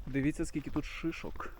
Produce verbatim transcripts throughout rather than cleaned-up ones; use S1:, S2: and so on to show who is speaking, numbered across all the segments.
S1: Дивіться, скільки тут шишок.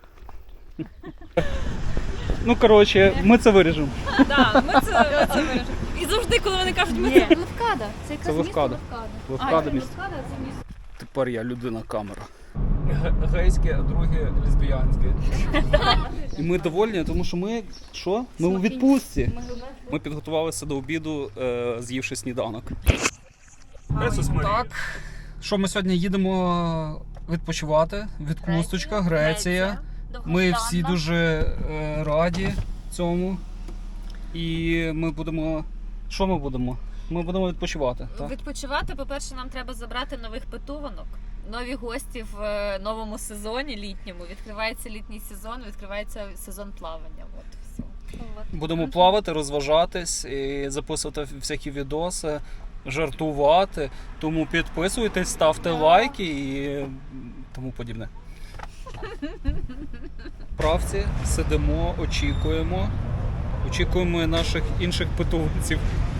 S1: Ну, коротше, ми це виріжемо.
S2: Так, ми це виріжемо. І завжди, коли вони кажуть, ми
S3: Ні, Левкада. Це якраз місто
S1: Левкада.
S3: Левкада.
S1: Левкада
S3: А,
S1: місто.
S3: Левкада – це місто.
S1: Тепер я людина камера. Гейське, а друге лесбіянське. І ми довольні, тому що ми що? Ми у відпустці. Ми підготувалися до обіду, е, з'ївши сніданок. Так, що ми сьогодні їдемо відпочивати? Відпусточка, Греція. Ми всі дуже е, раді цьому. І ми будемо... Що ми будемо? Ми будемо відпочивати. Так?
S2: Відпочивати, по-перше, нам треба забрати нових питуванок. Нові гості в е, новому сезоні літньому. Відкривається літній сезон, відкривається сезон плавання. От, все.
S1: Будемо плавати, розважатись, і записувати всякі відоси, жартувати. Тому підписуйтесь, ставте лайки і тому подібне. Правці сидимо, очікуємо. Очікуємо наших інших питомців.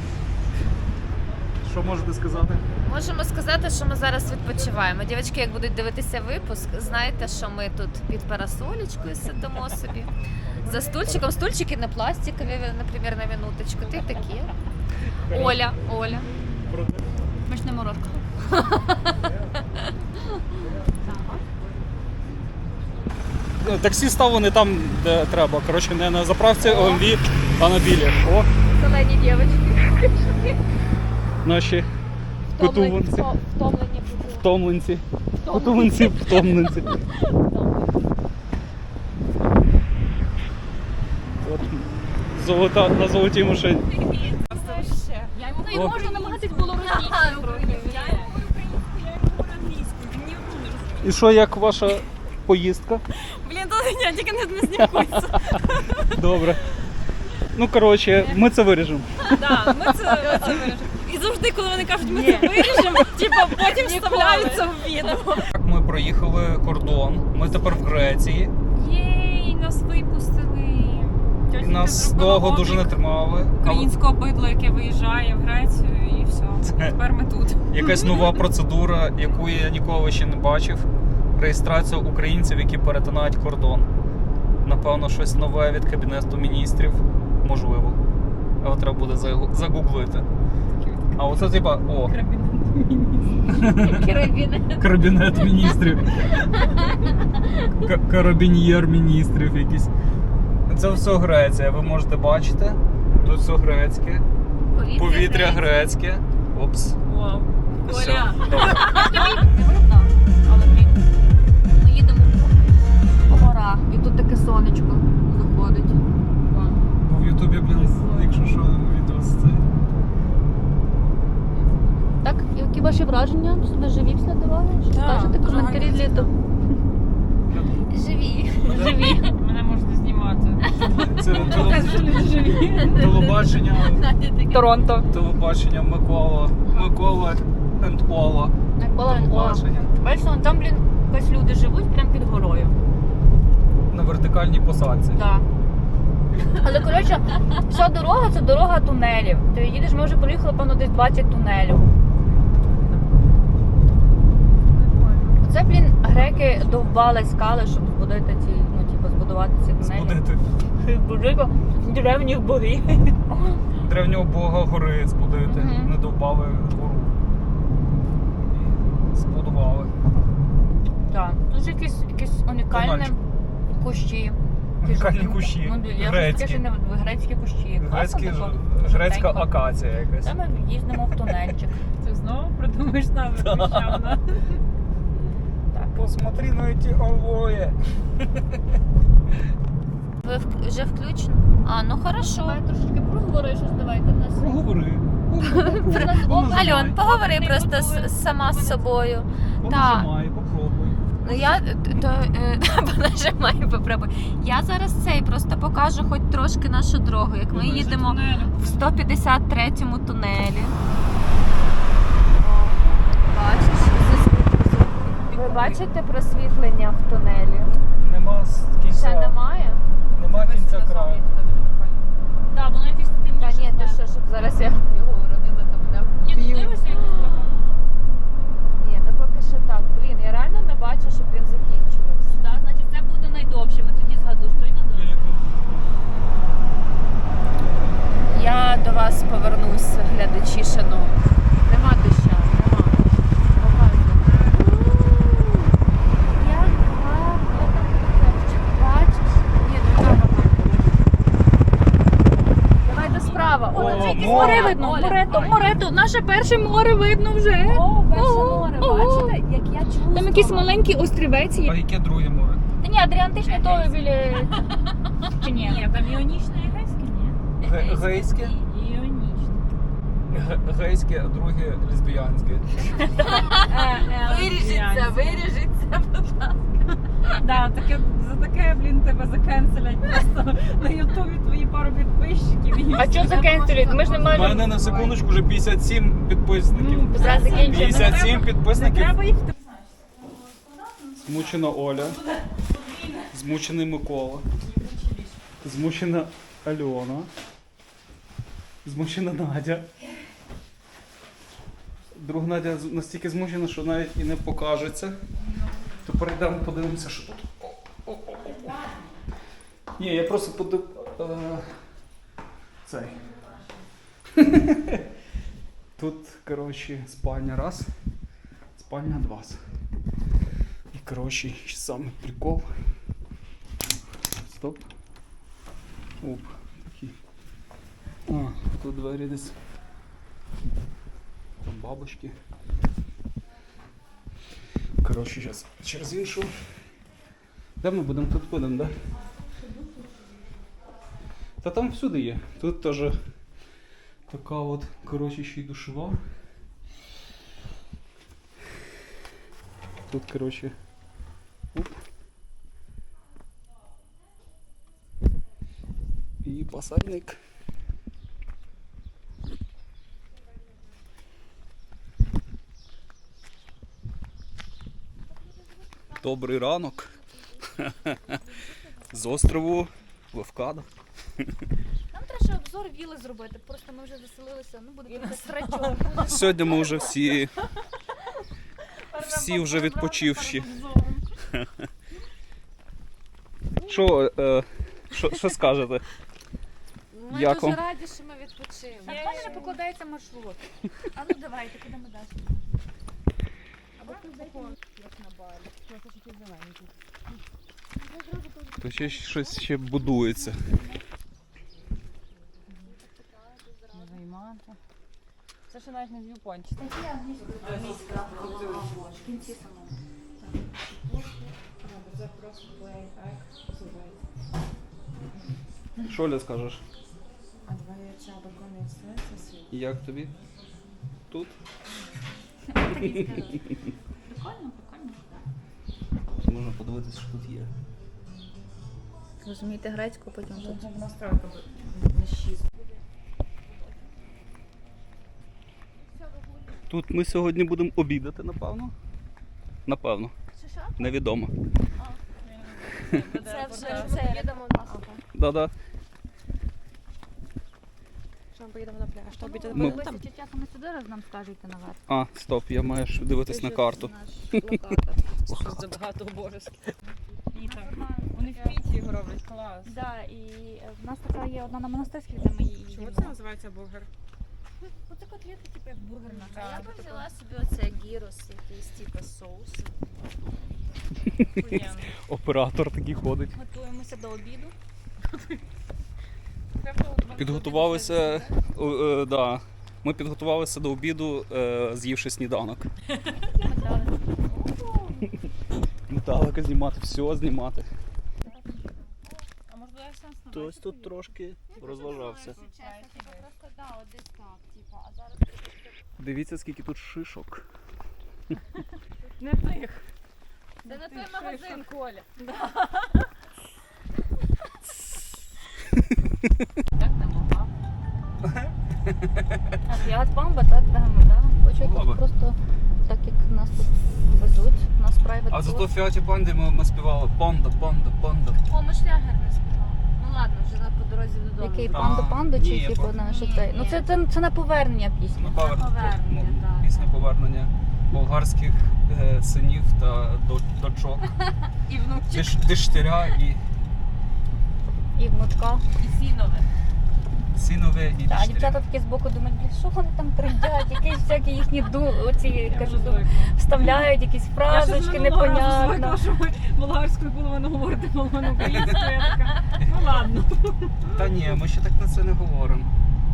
S1: Що можете сказати?
S2: Можемо сказати, що ми зараз відпочиваємо. Дівчатки, як будуть дивитися випуск, знаєте, що ми тут під парасолечкою сидимо собі. За стульчиком. Стульчики не пластикові, наприклад, на минуточку. Ти такі. Оля, Оля.
S3: Смачна морозка.
S1: Таксі ставлені там, де треба. Коротше, не на заправці О М В, а на білі. О,
S3: Зелені дівчатки.
S1: наші питуванці.
S3: Втомлені.
S1: Втомленці. Питуванці, втомленці. От, золота, на золотій машині.
S3: Ну і можна намагатись було російською трохи.
S1: І що, як ваша поїздка?
S2: Блін, то ні, тільки не знімається.
S1: Добре. Ну, коротше, ми це виріжемо.
S2: Так, ми це виріжемо. І завжди, коли вони кажуть, ми це виріжемо, типу, потім вставляються в відео.
S1: Так, ми проїхали кордон, ми тепер в Греції.
S2: Єй, нас випустили.
S1: І нас довго дуже не тримали.
S4: Українського бидла, яке виїжджає в Грецію, і все.
S1: Це-
S4: Тепер ми тут.
S1: Якась нова процедура, яку я ніколи ще не бачив. Реєстрація українців, які перетинають кордон. Напевно, щось нове від Кабінету міністрів. Можливо. Але треба буде загу- загуглити. А оце типа, о, Кабінет міністрів. К- Карабін'єр міністрів якийсь. Це все Греція, ви можете бачити. Тут все грецьке. Повітря грецьке. Опс.
S4: Вау.
S1: Все.
S4: Оля.
S1: Добре.
S3: Але блін, ми їдемо по горах, і тут таке сонечко заходить.
S1: Бо в Ютубі, блін, якщо що, відео з цей.
S3: Так, які ваші враження? Ви живі після дороги? Що
S4: Так,
S3: скажете
S4: дуже
S3: коментарі
S4: гарно.
S3: для того?
S2: Живі.
S3: Живі.
S4: Мене можна знімати.
S1: Це теле-
S4: Живі.
S1: телебачення.
S3: Торонто.
S1: Телебачення Микола. Микола енд Ола.
S3: Микола Ола.
S1: Телебачення.
S3: Бачите, там, блін, якось люди живуть прямо під горою.
S1: На вертикальній посадці.
S3: Так. Але, коротше, вся дорога – це дорога тунелів. Ти їдеш, ми вже проїхали, певно, десь двадцять тунелів. Це, блін, греки довбали скали, щоб збудити ці, ну, типу, збудувати ці тунелі.
S1: Збудити
S3: Збудити древніх богів.
S1: древнього бога гори збудити.
S3: Мгм.
S1: Не довбали гору. І збудували.
S3: Так. Тут же якісь, якісь унікальні
S1: Тунельчик.
S3: кущі.
S1: Унікальні кущі.
S3: Ну, я
S1: Грецькі.
S3: таке ще не грецькі кущі.
S1: Грецькі,
S3: Класно
S1: ж-
S3: тако.
S1: грецька
S3: Жовтенько.
S1: акація якась.
S3: Та ми їздимо в тунельчик.
S4: Ти знову придумаєш назви Прищавна.
S1: Посмотри на ці алої.
S2: Ви в- вже включено? А, ну хорошо.
S3: Давай трошки проговори щось, давайте в нас.
S1: Проговори.
S2: Альон, поговори просто с- сама з собою.
S1: Понажимай, попробуй.
S2: Ну я то е, понажимаю, попробуй. Я зараз цей просто покажу хоч трошки нашу дорогу, як ми їдемо в сто п'ятдесят третьому тунелі. Бачиш? Ви бачите просвітлення в тунелі?
S1: Нема з
S2: Ще
S1: кінця.
S2: немає?
S1: Нема кінця краю.
S3: Так, воно якесь
S2: Та
S3: темніше.
S2: ні, ти що, щоб зараз я його уронила, то буде.
S3: Ні, ну дивишся якось.
S2: Ні, ну поки що так. Блін, я реально не бачу, щоб він закінчувався.
S3: видно.
S2: Оля.
S3: Морето, Морето, наше перше море видно вже.
S2: О, перше
S3: Ого,
S2: море,
S3: ого.
S2: бачите, як я чувствую.
S3: Там якийсь маленький острівець
S1: А
S3: є.
S1: яке друге море?
S3: Та ні, Адріантичне то біля... Чи ні?
S4: Ні, там іонічне і гейське, ні.
S1: Ге- Гейське?
S4: І іонічне.
S1: Ге- Гейське, а друге лесбіянське.
S2: Виріжеться, виріжеться, будь ласка.
S4: Да, таке, за таке, блін, тебе закенселять просто на ютубі твої пару підписчиків. і
S3: А що
S4: все.
S3: закенселюють? Ми ж не
S1: У
S3: можемо...
S1: мене на секундочку вже п'ятдесят сім підписників.
S4: Ну,
S3: Зараз закінчимо.
S1: п'ятдесят сім
S4: Не
S1: підписників.
S4: треба їх
S1: Змучена Оля. Змучений Микола. Змучена Альона. Змучена Надя. Друга Надя з- настільки змучена, що навіть і не покажеться. То перейдемо, подивимося, що тут. О, о, о, о. Ні, я просто подив... е, Цей. Тут, коротше, спальня раз, спальня два. І, коротше, ще самий прикол. Стоп. Оп, такий. А, тут двері десь. Там бабочки. Коротше, зараз через іншу. Де ми будемо? Тут будемо, да? Та там всюди є. Тут теж така от, коротше, ще й душова. Тут, коротше, оп. І посадник. Добрий ранок. З острову Левкада.
S3: Нам треба ще обзор віли зробити, просто ми вже заселилися, ну буде якийсь срачок.
S1: Сьогодні ми вже всі, всі вже відпочивші. Що, е, що, що скажете?
S2: Ми
S1: Як
S2: дуже
S1: вам?
S2: раді, що ми відпочили.
S3: Так в мене не покладається маршрут. А ну давайте, куди ми далі? Або тут закон, як на барі. Це ще ті зелені тут.
S1: То ще щось ще будується.
S4: Займати. Це ще навіть не в'юпончик.
S3: В кінці самому.
S1: Що, Оля, скажеш? Як тобі? Тут?
S3: Прикольно, прикольно.
S1: Можна подивитися, що тут є.
S3: Розумієте грецьку, потім тут.
S4: Настройка на шість.
S1: Тут ми сьогодні будемо обідати, напевно. Напевно.
S3: Що?
S1: Невідомо.
S3: Це вже це їдемо на
S1: Да-да.
S3: Що ми поїдемо на пляж? То обіцяли
S1: Ми-
S3: там. Чи часом ми сюди раз нам скажете наверх?
S1: А, стоп, я маю ж дивитись на карту.
S4: Що за багато обов'язків. І так. Вони в піті його роблять, клас.
S3: Да, і в нас така є одна на монастирській, де ми її
S4: Чого
S3: їмо.
S4: це називається бургер?
S3: Оце котлетки, типу як бургер наш.
S4: Так.
S2: Я б взяла собі оце гірос, якийсь типу соус.
S4: Охуєнно.
S1: Оператор такий ходить.
S3: Готуємося до обіду.
S1: Підготувалися, е, е, да. Ми підготувалися до обіду, е, з'ївши сніданок. Металика знімати, все знімати.
S4: А може дай сенс на
S1: Хтось тут трошки розважався.
S2: Просто да, от десь так, типу, а зараз
S1: Дивіться, скільки тут шишок.
S4: Не тих.
S2: це не той магазин, Коля.
S4: Так не могла.
S3: А п'ят памба, так, да, ми, да. Хочу
S1: Баба.
S3: тут просто так як нас тут везуть, нас private
S1: А зато
S3: tour.
S1: в Фіаті Панді ми, ми співали панда, панда, панда.
S2: О, ми шлягер не співали. Ну ладно, вже на по дорозі додому.
S3: Який
S1: А,
S3: панда панду чи
S1: ні,
S3: типу
S1: по-
S3: наш
S2: ні,
S3: цей? Ну
S2: ні.
S3: це, це, це на повернення пісні.
S1: Ну, повер-
S2: повернення,
S1: ну,
S2: так.
S1: Пісня повернення болгарських е, синів та до- дочок.
S4: І внучі.
S1: Диш, диштиря і
S3: І внучка.
S4: І сінове.
S1: синове і
S3: А
S1: диштиря.
S3: дівчата такі збоку думають, блін, що вони там трендять, якісь всякі їхні ду, оці,
S4: Я
S3: кажу,
S4: вже
S3: ду-
S4: звикла.
S3: вставляють якісь
S4: Я ще з
S3: фразочки,
S4: минулого разу
S3: непонятно.
S4: звикла, що ми болгарською половину говорити, половину українською. Я така, ну ладно.
S1: Та ні, ми ще так на це не говоримо.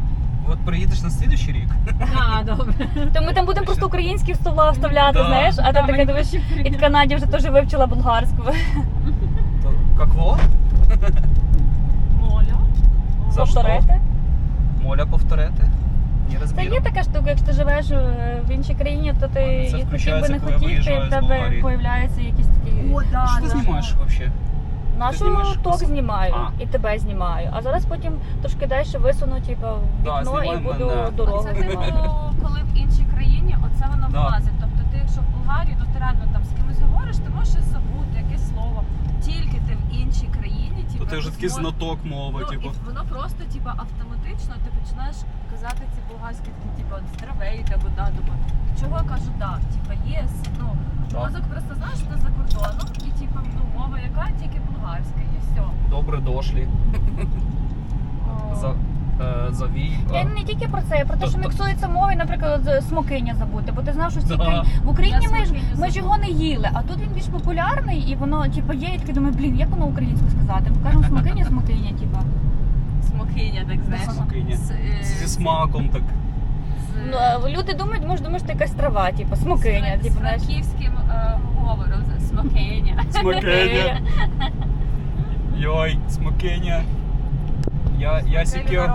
S1: от приїдеш на слідуючий рік.
S4: А, добре.
S3: То ми там будемо просто українські слова вставляти,
S1: Да.
S3: знаєш, а ти таке дивиш, і в Канаді вже теж вивчила болгарську.
S1: То какво?
S4: Моля.
S1: За що?
S3: Повторити.
S1: Моля повторити? Не
S3: Це
S1: розбіру.
S3: є така штука, якщо ти живеш е, в іншій країні, то ти
S1: Це
S3: і хотів би
S1: включається,
S3: не
S1: коли
S3: хотів, і
S1: виїжджаю
S3: в
S1: з
S3: тебе
S1: Болгарії.
S3: появляються якісь такі.
S4: О, да,
S1: Що ти
S4: да.
S1: знімаєш взагалі?
S3: Нашу
S1: знімаєш
S3: ток
S1: просто?
S3: знімаю
S1: А.
S3: і тебе знімаю. А зараз потім трошки далі висуну, типу, в
S1: Да,
S3: вікно і
S1: знімай
S3: буду
S1: мене.
S3: дорогу
S2: Це типу,
S3: знімати.
S2: коли в іншій країні, оце воно
S1: Да.
S2: влазить. Тобто ти, якщо в Болгарії, то ти реально там з кимось говориш, ти можеш щось забути, якесь слово. Тільки ти в іншій країні, типу,
S1: То ти вже такий
S2: змо-
S1: знаток мови,
S2: Ну,
S1: типу.
S2: і воно просто типу, автоматично ти починаєш казати ці болгарські такі, типу, здравейте або да, думаю, чого я кажу так, типу, єс, ну,
S1: Да.
S2: мозок просто знаєш, що ти за кордоном, і типу, ну, мова яка, тільки болгарська, і все.
S1: Добре дошлі. За, е, завій.
S3: Я не тільки про це, я про те,
S1: То-
S3: що
S1: то-
S3: міксується мови, наприклад, з смокиня забути, бо ти знав, що в цій
S1: Да.
S3: країні в Україні
S2: Я
S3: ми ж
S2: смокиня
S3: ми ж його не їли, а тут він більш популярний і воно типу є, і таки думаю, блін, як воно українською сказати? Ми кажемо смокиня, смокиня, типу.
S2: Смокиня, так знаєш.
S1: Смокиня.
S2: З, е,
S1: Зі смаком так.
S2: з-
S3: Ну, а люди думають, може, думаєш, що це якась трава, типу, смокиня,
S2: з,
S3: типу,
S2: з
S3: знаєш.
S2: франківським е, говором, з- смокиня.
S1: Смокиня. Йой, смокиня. Я, я сікю.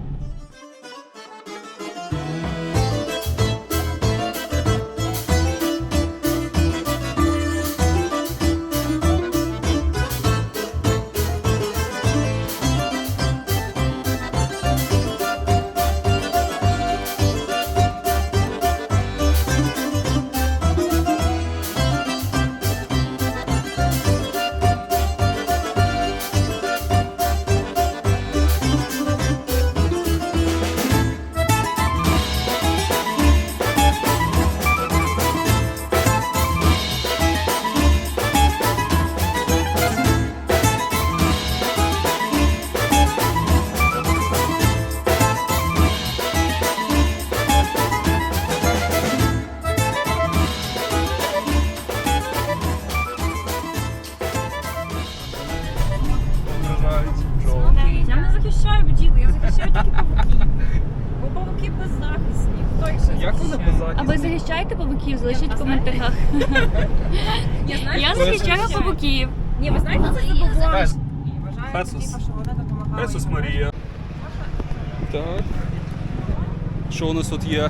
S4: Я не захищаю бджіл, я захищаю тільки павуків. Бо павуки беззахисні. Хто їх ще
S1: Як вони
S4: захищає?
S3: А ви
S1: беззахисні?
S3: захищаєте павуків? Залишіть в коментарях.
S4: Ні, знаєте,
S3: Я
S4: хто
S3: захищаю
S4: захищає?
S3: павуків.
S4: Ні, ви знаєте, це забобонщик.
S1: Хес.
S4: І вважають,
S1: Хесус.
S4: типу, що вони допомагають.
S1: Ісус Марія. Так. Що у нас тут є?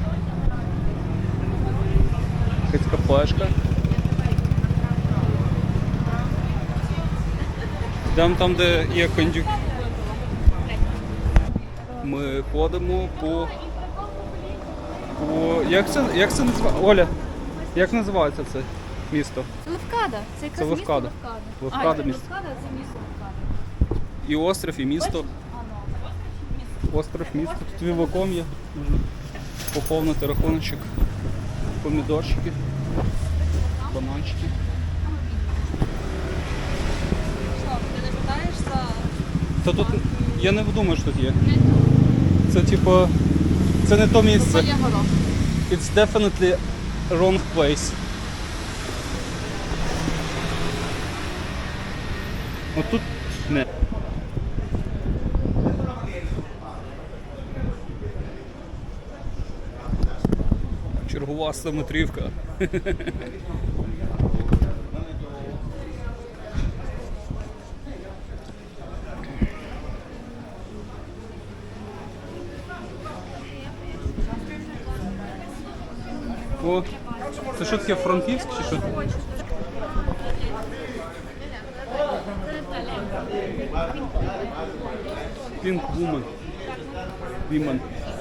S1: Якась кафешка. Йдемо там, де є кондюк. Ми ходимо по. по... Як це, як це називається? Оля, як називається це місто?
S3: Левкада. Це якраз
S1: Це
S3: місто
S1: Левкада.
S3: Левкада.
S1: Левкада
S3: А,
S1: місто.
S3: Левкада – це місто Левкада.
S1: І острів, і місто. Остров, місто. Тут віваком є. Можна поповнити рахуночок. Помідорчики, бананчики.
S2: Ти не питаєш за...
S1: Та тут я не думаю, що тут є. Це типу. Це не то місце. It's definitely wrong place. От тут не. Чергова стометрівка. О, це що таке, Франківськ чи що? Pink Woman. Woman.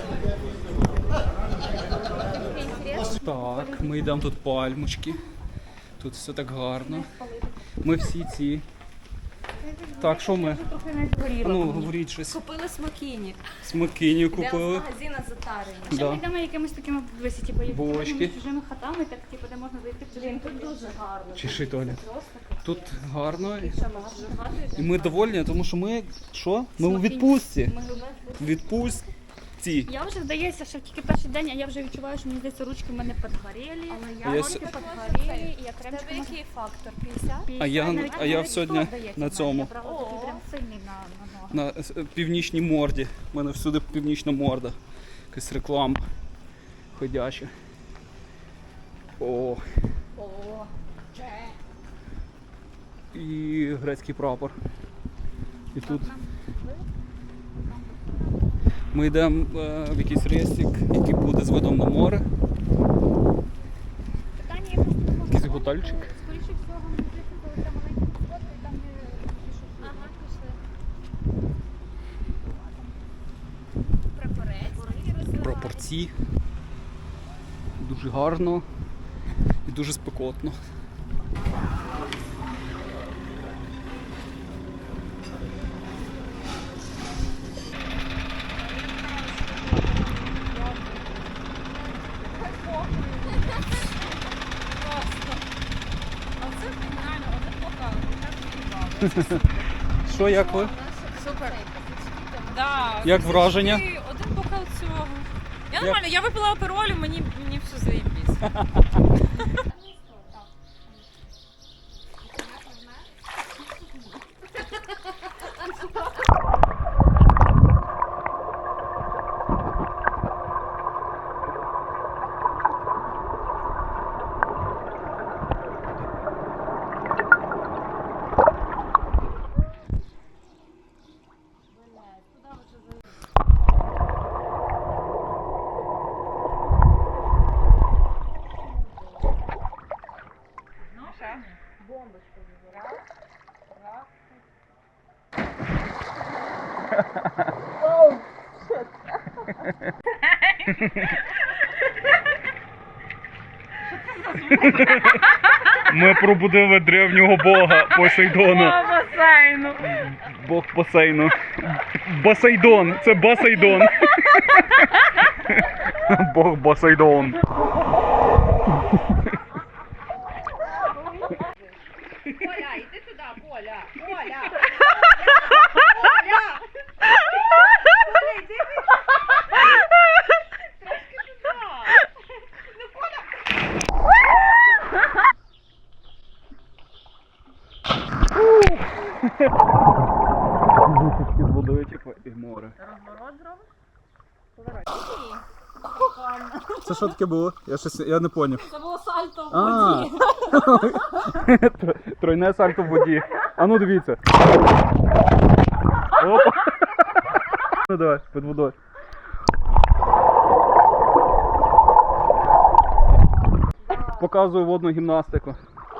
S1: Так, ми йдемо тут пальмочки. Тут все так гарно. Ми всі ці. Так, що ми? А ну, говоріть щось.
S2: Купили смокіні.
S1: Смокині
S2: Йдемо з
S1: купили.
S2: магазина Затарені.
S3: Ще
S1: Да.
S3: ми йдемо якимись такими висі, типу, як
S1: Булочки.
S3: чужими хатами, так типу, де можна зайти. Блін, тут дуже гарно.
S1: Чеши, Толя. Тут гарно. І ми довольні, тому що ми що? Ми у відпустці.
S3: Ми
S1: У відпустці.
S3: Я вже здається, що тільки перший день, а я вже відчуваю, що мені здається, ручки в мене підгоріли.
S1: А я
S3: руки
S1: с-
S3: підгоріли, і я
S2: Тебе
S3: кремчиком
S2: який фактор? п'ятдесят?
S1: А я-
S3: навіть
S1: а я
S3: навіть
S1: сьогодні
S3: сто, здається,
S1: на
S3: в мене.
S1: цьому.
S3: Я брала такий прям сильний на, на ноги.
S1: На е, північній морді. У мене всюди північна морда. Якась реклама ходяча. О.
S3: О,
S1: І грецький прапор. І тут ми йдемо е, в якийсь рестик, який буде з видом на море.
S3: питання є просто такого.
S1: Якийсь готельчик.
S3: Скоріше всього, мені здається, коли там маленька фотка, і там є пішохід.
S2: Ага, пішли. Прапорець.
S1: Прапорці. Дуже гарно і дуже спекотно.
S4: А це реально один бокал.
S1: Що, як ви?
S2: Супер.
S4: Да,
S1: Як
S4: це
S1: враження?
S4: завжди один бокал цього. Я
S1: Як?
S4: нормально, я випила аперолю, мені, мені все заєбісь.
S1: Ми пробудили древнього бога Посейдона.
S4: басейну.
S1: Бог басейну. Басейдон. Це Басейдон. Бог Басейдон.
S3: Коля, іди туди, Коля! Коля! Коля! Коля, іди трошки туди! Ну, Коля!
S1: Висічки з водою, типу, і море.
S4: Розворот зробиш?
S1: Це що таке було? Я щось, я не поняв.
S4: Це було сальто в
S1: А,
S4: воді.
S1: тройне сальто в воді. А ну дивіться. Опа. Ну давай, під водою. Показую водну гімнастику.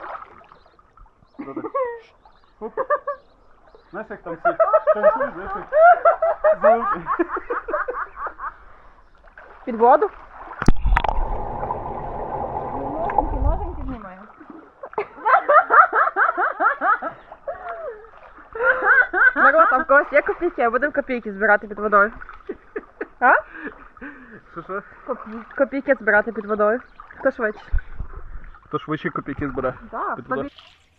S1: Оп. Знаєш, як там всі танцюють, знаєш, як звуки.
S4: Під воду? Ноженьки, ноженьки знімаємо.
S5: Народ, там в когось є копійки, а будемо копійки збирати під водою. А?
S1: Що, що?
S5: Копі- Копійки збирати під водою. Хто швидше?
S1: Хто швидше копійки збере?
S5: Так,
S1: Під водою.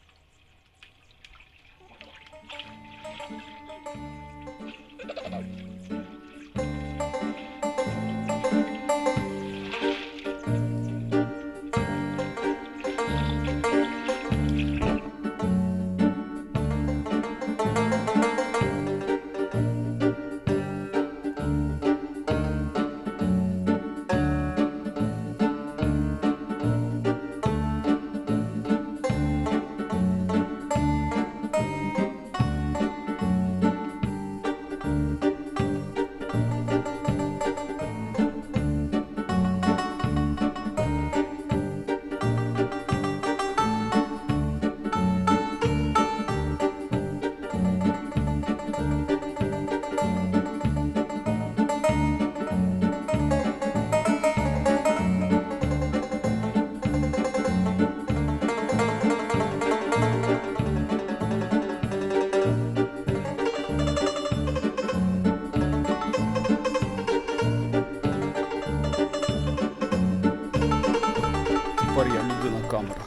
S1: Тепер я людина камера.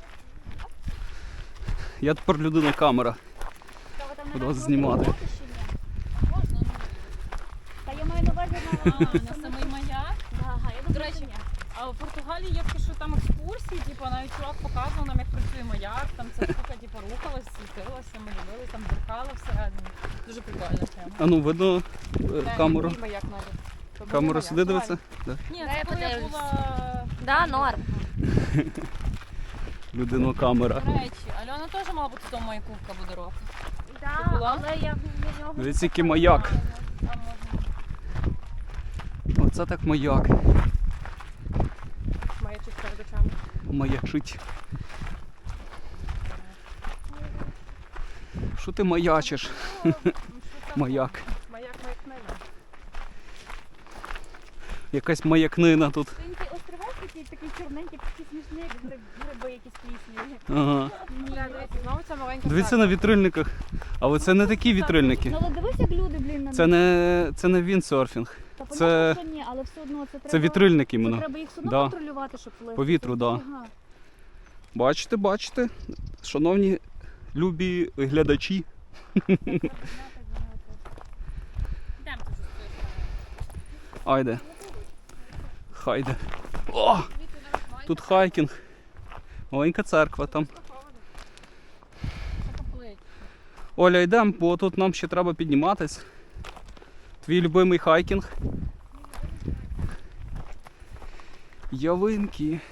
S1: Я тепер людина камера. Буду вас знімати.
S3: Та я маю на увазі
S4: А, на самий маяк.
S3: Ага, я
S4: До речі, а в Португалії є такі, що там екскурсії, типу, навіть чувак показував нам, як працює маяк, там ця штука, типу, рухалась, світилася, ми дивилися, там дзеркало всередині. Дуже прикольна тема.
S1: А ну видно е, камеру.
S5: Мій маяк навіть.
S1: Камера сюди дивиться? Да.
S4: Ні,
S2: Дай
S4: це коли я
S2: подивлюсь.
S4: була
S2: Да, норм.
S1: Людино камера.
S4: до речі. Альона теж мала бути в тому маяку буде року.
S2: Да,
S4: Ти була?
S2: але я на нього.
S1: Дивіться, який маяк.
S4: Там можна.
S1: Оце так маяк.
S5: Маячить перед очами.
S1: Маячить. Що ти маячиш? Маяк.
S5: Маяк маякнина.
S1: Якась маякнина тут.
S3: Він такий острівець такий, такий чорненький, такий смішний, як гриб- гриби якісь плісні.
S1: Ага.
S5: Бля, дивіться, знову ця маленька
S1: Дивіться на вітрильниках. Але це не такі вітрильники.
S3: Ну але дивись, як люди, блін, на
S1: Це не, це не віндсерфінг.
S3: Та
S1: це-
S3: понятно, що ні, але все одно це треба...
S1: Це вітрильник
S3: Це
S1: іменно.
S3: треба їх все одно
S1: Да.
S3: контролювати, щоб плисти.
S1: По вітру, да.
S3: Ага.
S1: Бачите, бачите, шановні любі глядачі.
S4: Йдемо ти вже
S1: Айде. Хайде. О! Тут хайкінг. Маленька церква там.
S4: поплить.
S1: Оля, йдемо, бо тут нам ще треба підніматись. Твій любимий хайкінг. Ялинки.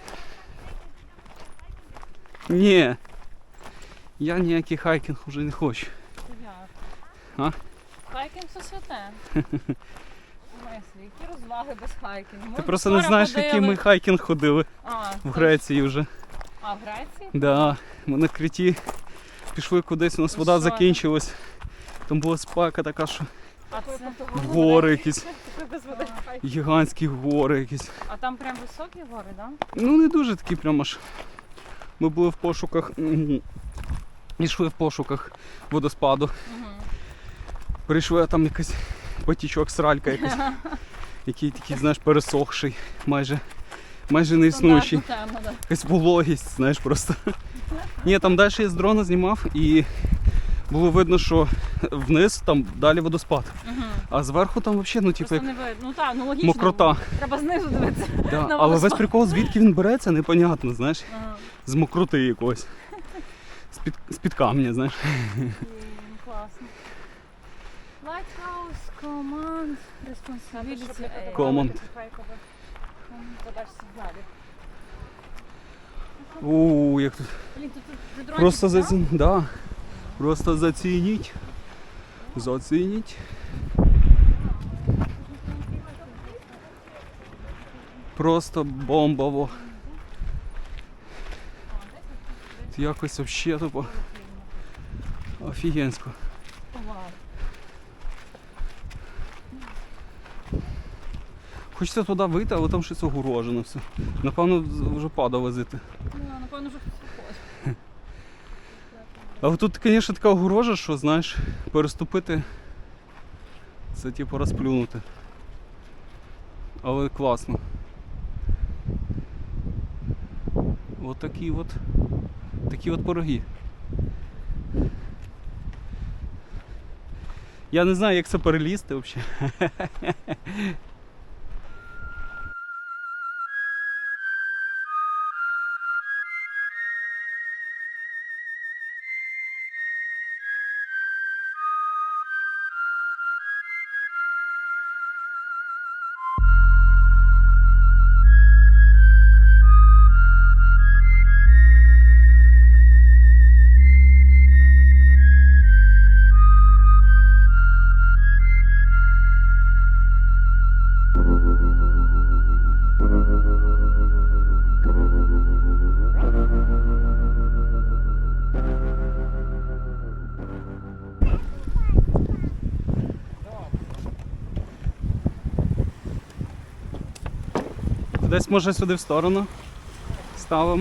S1: Ні. Я ніякий хайкінг вже не хочу.
S4: Як?
S1: А?
S4: Хайкінг це святе. Мислі, які розваги без хайкінгу? Ми
S1: Ти просто не
S4: вчора
S1: знаєш,
S4: ходили.
S1: який ми хайкінг ходили
S4: А,
S1: в
S4: точно.
S1: Греції вже.
S4: А, в Греції?
S1: Да, ми на Криті пішли кудись, у нас
S4: І
S1: вода
S4: що
S1: закінчилась. Там була спека така, що
S4: А, це...
S1: гори якісь,
S5: Без води.
S1: гігантські гори якісь.
S4: а там прям високі гори, так? Да?
S1: Ну не дуже такі прямо аж. Ми були в пошуках, м, йшли в пошуках водоспаду.
S4: Угу.
S1: Прийшли, а там якийсь потічок, сралька якась, який такий, знаєш, пересохший, майже, майже не існуючий.
S4: Тема, да.
S1: Якась вологість, знаєш, просто. Ні, там далі я з дрона знімав і було видно, що вниз там далі водоспад.
S4: Угу.
S1: А зверху там взагалі, ну типу,
S4: Просто
S1: як
S4: не видно. Ну так, ну логічно.
S1: мокрота.
S4: Треба знизу дивитися.
S1: Да.
S4: на
S1: Але весь
S4: водоспад.
S1: прикол, звідки він береться, непонятно, знаєш,
S4: Ага.
S1: з мокроти якоїсь. З-під, з-під камня, знаєш.
S4: М, Класно. Lighthouse Command Responsibility Area.
S1: Command.
S4: Задачі сигналів.
S1: У, як тут.
S4: Блін, тут, тут дрончик,
S1: Просто
S4: да?
S1: зацініть. Да. Просто зацініть. Зацініть. Просто бомбово. Якось вообще тупо. Офігенсько.
S4: Вау.
S1: Хочеться туди вийти, але там щось огорожено все. Напевно, вже падав возити.
S4: Ну, напевно, вже хтось ходить.
S1: Але тут, звісно, така огорожа, що, знаєш, переступити це типу розплюнути. Але класно. От такі от, такі от пироги. Я не знаю, як це перелізти взагалі. Десь може сюди в сторону ставимо.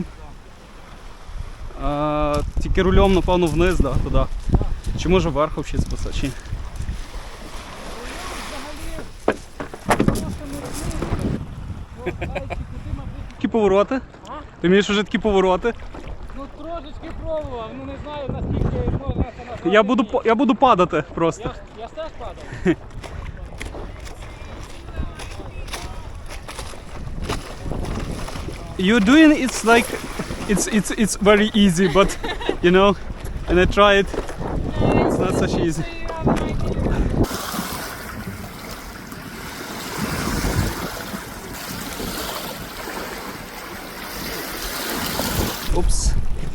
S1: А, тільки рулем, напевно, вниз, да, туди. Чи може вверх взагалі спасати? Чи? Такі повороти? Ти вмієш вже такі повороти?
S6: Ну трошечки пробував, ну не знаю наскільки можна це назвати.
S1: Я буду, па- я буду падати просто.
S6: Я, ж- я ж теж падав.
S1: You're doing it's like it's it's it's very easy, but you know, and I try it. It's not such easy. Упс.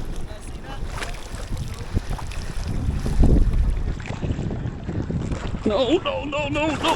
S1: No, no, no, no, no.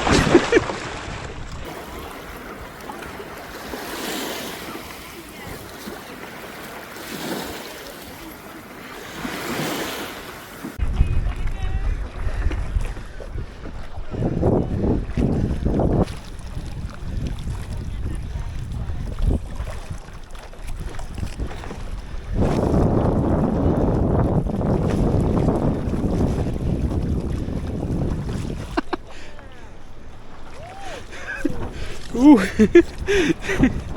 S1: Ух.